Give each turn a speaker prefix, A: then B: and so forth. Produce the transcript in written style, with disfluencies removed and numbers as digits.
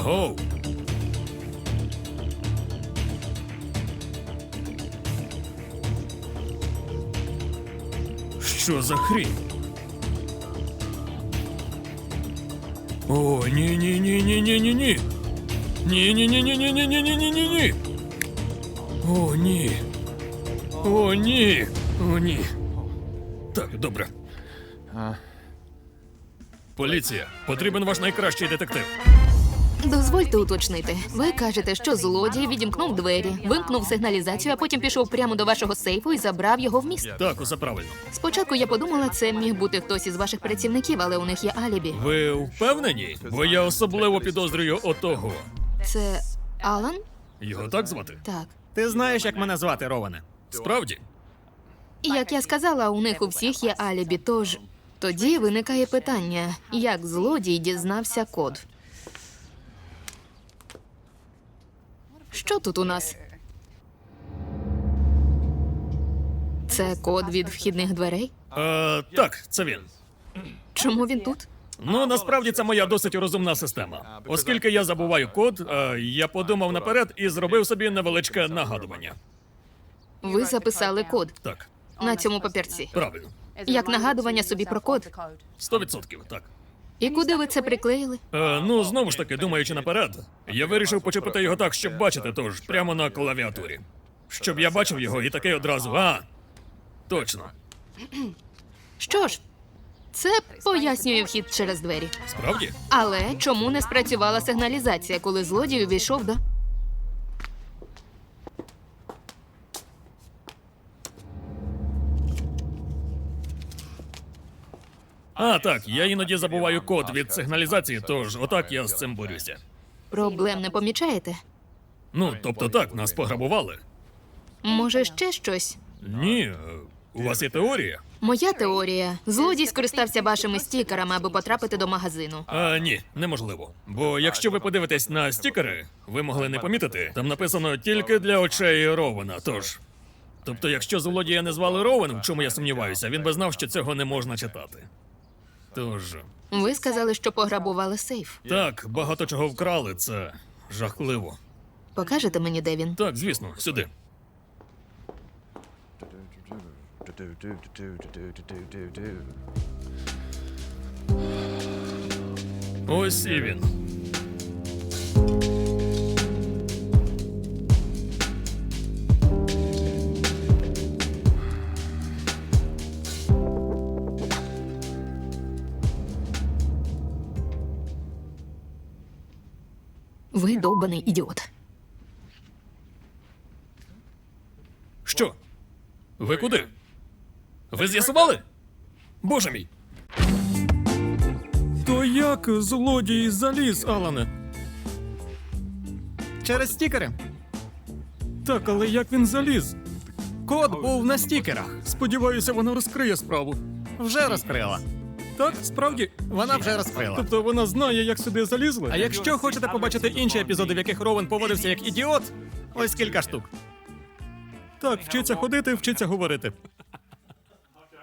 A: Агоу. Що за хрінь? О, ні-ні-ні-ні-ні-ні-ні. Ні-ні-ні-ні-ні-ні-ні-ні-ні-ні. О, ні. О, ні. О, ні. Так, добре. Поліція, потрібен ваш найкращий детектив.
B: Дозвольте уточнити. Ви кажете, що злодій відімкнув двері, вимкнув сигналізацію, а потім пішов прямо до вашого сейфу і забрав його в міст.
A: Так, усе правильно.
B: Спочатку я подумала, це міг бути хтось із ваших працівників, але у них є алібі.
A: Ви впевнені? Бо я особливо підозрюю отого.
B: Це Алан?
A: Його так звати?
B: Так.
C: Ти знаєш, як мене звати, Роване?
A: Справді?
B: І як я сказала, у них у всіх є алібі, тож тоді виникає питання, як злодій дізнався код. Що тут у нас? Це код від вхідних дверей?
A: Так, це він.
B: Чому він тут?
A: Ну, насправді це моя досить розумна система. Оскільки я забуваю код, я подумав наперед і зробив собі невеличке нагадування.
B: Ви записали код
A: Так,
B: на цьому папірці.
A: правильно.
B: Як нагадування собі про код.
A: 100%, так.
B: І куди ви це приклеїли?
A: Ну, знову ж таки, думаючи наперед, я вирішив почепити його так, щоб бачити, тож прямо на клавіатурі. Щоб я бачив його і таке одразу. Точно.
B: Що ж, це пояснює вхід через двері.
A: Справді?
B: Але чому не спрацювала сигналізація, коли злодій увійшов до...
A: Так, я іноді забуваю код від сигналізації, тож отак я з цим борюся.
B: Проблем не помічаєте?
A: Ну, тобто так, нас пограбували.
B: Може, ще щось?
A: Ні, у вас є теорія?
B: Моя теорія. Злодій скористався вашими стікерами, аби потрапити до магазину.
A: Ні, неможливо. Бо якщо ви подивитесь на стікери, ви могли не помітити, там написано «тільки для очей Рована», тож... Тобто, якщо злодія не звали Рован, в чому я сумніваюся, він би знав, що цього не можна читати. Тож...
B: Ви сказали, що пограбували сейф.
A: Так, багато чого вкрали, це жахливо.
B: Покажете мені, де він?
A: Так, звісно, сюди. Ось і він.
B: Ви довбаний ідіот.
A: Що? Ви куди? Ви з'ясували? Боже мій! То як злодій заліз, Алане?
C: Через стікери.
A: Так, але як він заліз?
C: Код був на стікерах.
A: Сподіваюся, вона розкриє справу.
C: Вже розкрила.
A: Так, справді?
C: Вона вже розкрила.
A: Тобто вона знає, як сюди залізли?
C: А якщо хочете побачити інші епізоди, в яких Рован поводився як ідіот, ось кілька штук.
A: Так, вчиться ходити, вчиться говорити.